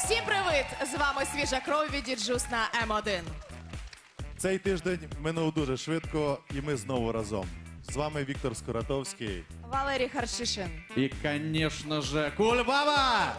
Всім привіт! З вами свіжа кров від Діджус на М1. Цей тиждень минув дуже швидко, і ми знову разом. З вами Віктор Скуратовський. Валерій Харшишин. И, конечно же, Кульбаба!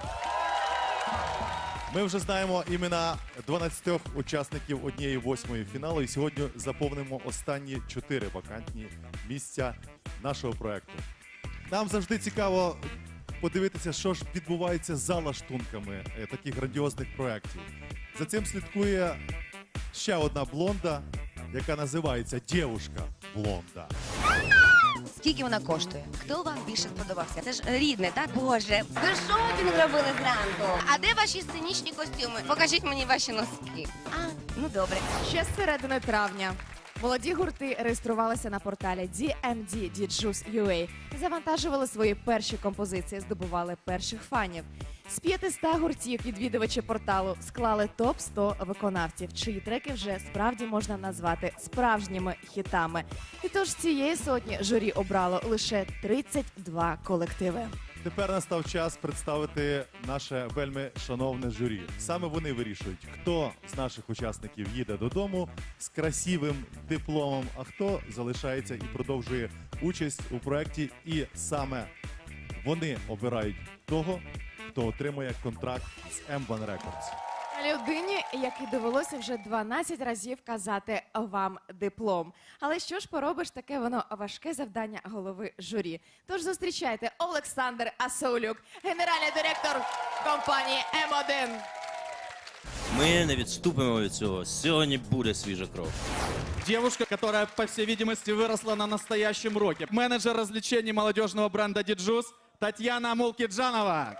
Ми вже знаємо імена 12 учасників 1/8 фіналу, і сьогодні заповнимо останні 4 вакантні місця нашого проекту. Нам завжди цікаво подивитися, що ж відбувається за лаштунками таких грандіозних проєктів. За цим слідкує ще одна блонда, яка називається «Дєвушка блонда». Скільки вона коштує? Хто вам більше сподобався? Це ж рідне, так? Боже, ви шопінг робили зранку. А де ваші сценічні костюми? Покажіть мені ваші носки. А, ну добре. Ще з середини травня молоді гурти реєструвалися на порталі DMD Djus.ua, завантажували свої перші композиції, здобували перших фанів. З 500 гуртів відвідувачі порталу склали топ-100 виконавців, чиї треки вже справді можна назвати справжніми хітами. І тож з цієї сотні журі обрало лише 32 колективи. Тепер настав час представити наше вельми шановне журі. Саме вони вирішують, хто з наших учасників їде додому з красивим дипломом, а хто залишається і продовжує участь у проєкті. І саме вони обирають того, хто отримує контракт з M1 Records. Людині, якій довелося вже 12 разів казати вам диплом. Але що ж поробиш, таке воно важке завдання голови журі. Тож зустрічайте Олександр Асаулюк, генеральний директор компанії М1. Ми не відступимо від цього. Сьогодні буде свіжа кров. Девушка, которая, по всей видимости, выросла на настоящем роке. Менеджер развлечений молодежного бренда Диджус Татьяна Мулкиджанова.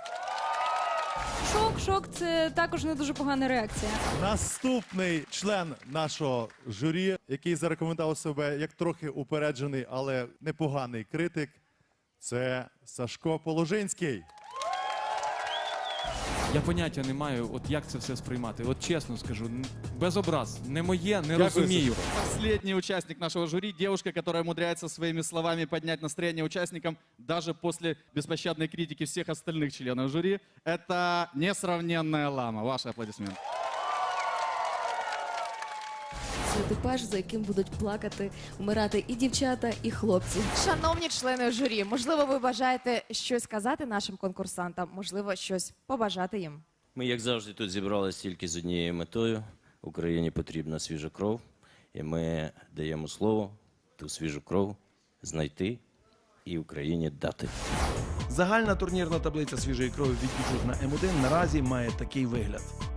Шок, це також не дуже погана реакція. Наступний член нашого журі, який зарекомендував себе як трохи упереджений, але непоганий критик, це Сашко Положинський. Я поняття не маю, от як це все сприймати. От чесно скажу, без образ, не моє, не розумію. Последний участник нашего жюри, девушка, которая умудряется своими словами поднять настроение участникам даже после беспощадной критики всех остальных членов жюри. Это несравненная Лама. Ваши аплодисменты. Це типаж, за яким будуть плакати, вмирати і дівчата, і хлопці. Шановні члени журі, можливо, ви бажаєте щось сказати нашим конкурсантам, можливо, щось побажати їм. Ми, як завжди, тут зібралися тільки з однією метою. Україні потрібна свіжа кров. І ми даємо слово ту свіжу кров знайти і Україні дати. Загальна турнірна таблиця свіжої крові від Діджус на М1 наразі має такий вигляд.